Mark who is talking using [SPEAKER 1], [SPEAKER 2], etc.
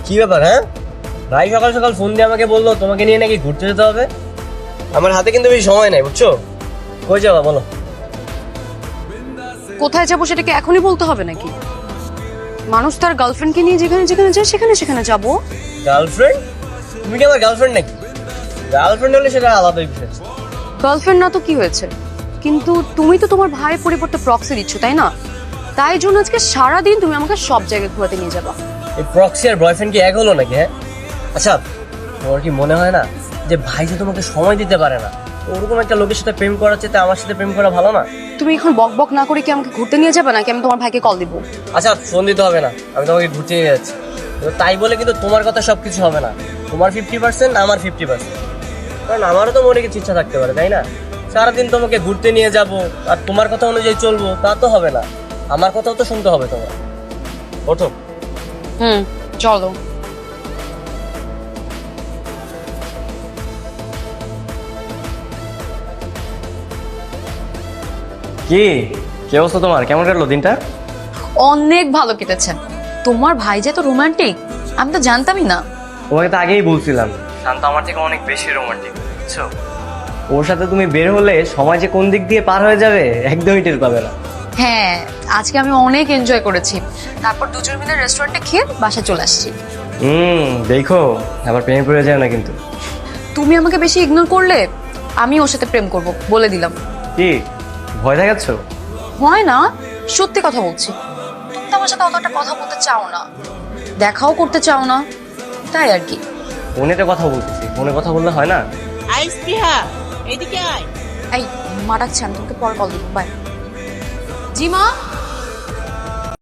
[SPEAKER 1] কি ব্যাপার? হ্যাঁ, ভাই সকাল সকাল ফোন দিয়ে আমাকে বললো তোমাকে নিয়ে নাকি ঘুরতে যেতে হবে। আমার হাতে কিন্তু বেশি সময় নাই, বুঝছো? কই যাবা বলো?
[SPEAKER 2] কোথায় যাবো সেটাকে এখনই বলতে হবে নাকি? মানুষ তার গার্লফ্রেন্ডকে নিয়ে যেখানে যেখানে যায় সেখানে সেখানে যাবো।
[SPEAKER 1] গার্লফ্রেন্ড? তুমি কি আমার গার্লফ্রেন্ড নাকি? গার্লফ্রেন্ড হলে সেটা আলাদা বিষয়।
[SPEAKER 2] গার্লফ্রেন্ড না তো কি হয়েছে, কিন্তু তুমি তো তোমার ভাইয়ের পরিবর্তে প্রক্সি দিচ্ছ, তাই না? তাই জন্য আজকে সারাদিন তুমি আমাকে সব জায়গায় ঘোরাতে নিয়ে যাবা।
[SPEAKER 1] এই প্রক্সি আর বয়ফ্রেন্ড কি এক হলো নাকি? হ্যাঁ, আচ্ছা, তোমার কি মনে হয় না যে ভাই যে তোমাকে সময় দিতে পারে না, ওরকম একটা লোকের সাথে প্রেম করার চেয়ে আমার সাথে প্রেম করা ভালো না?
[SPEAKER 2] তুমি এখন বক বক না করে কি আমাকে ঘুরতে নিয়ে যাবে, নাকি আমি তোমার ভাইকে কল দিব?
[SPEAKER 1] আচ্ছা, ফোন দিতে হবে না, আমি তোমাকে ঘুরতে নিয়ে যাচ্ছি। তো তাই বলে কিন্তু তোমার কথা সবকিছু হবে না। তোমার 50%, আমার 50%। কারণ আমারও তো মনে কিছু ইচ্ছা থাকতে পারে, তাই না? সারাদিন তোমাকে ঘুরতে নিয়ে যাব আর তোমার কথা অনুযায়ী চলবো, তা তো হবে না। আমার কথাও তো শুনতে হবে তোমার। ওঠো।
[SPEAKER 2] চলো।
[SPEAKER 1] কি কি অবস্থা তোমার? কেমন কাটলো দিনটা?
[SPEAKER 2] অনেক ভালো কেটেছে। তোমার ভাই যে তো রোমান্টিক, আমি তো জানতামই না।
[SPEAKER 1] তোমাকে তো আগেই বলছিলাম, শান্ত আমার থেকে অনেক বেশি রোমান্টিক, বুঝছো? ওর সাথে তুমি বের হলে সময় যে কোন দিক দিয়ে পার হয়ে যাবে একদমই টের পাবে না।
[SPEAKER 2] হ্যাঁ, আজকে আমি অনেক এনজয় করেছি। তারপর দুজন মিলে রেস্টুরেন্টে খেয়ে বাসায় চলে আসছি।
[SPEAKER 1] দেখো, আবার প্রেমে পড়ে যায় না কিন্তু।
[SPEAKER 2] তুমি আমাকে বেশি ইগনোর করলে আমি ওর সাথে প্রেম করব, বলে দিলাম।
[SPEAKER 1] কি ভয় দেখাচ্ছ?
[SPEAKER 2] হয় না, সত্যি কথা বলছি। তুমি তো আমার সাথে অতটা কথা বলতে চাও না, দেখাও করতে চাও না, তাই আর কি।
[SPEAKER 1] ফোনেতে কথা বলতেছি, ফোনে কথা বললে হয় না?
[SPEAKER 3] আই স্পৃহা, এদিকে আয়।
[SPEAKER 2] এই মা ডাকছে, আমি তোমাকে পরে কল দিব। বাই। জি মা।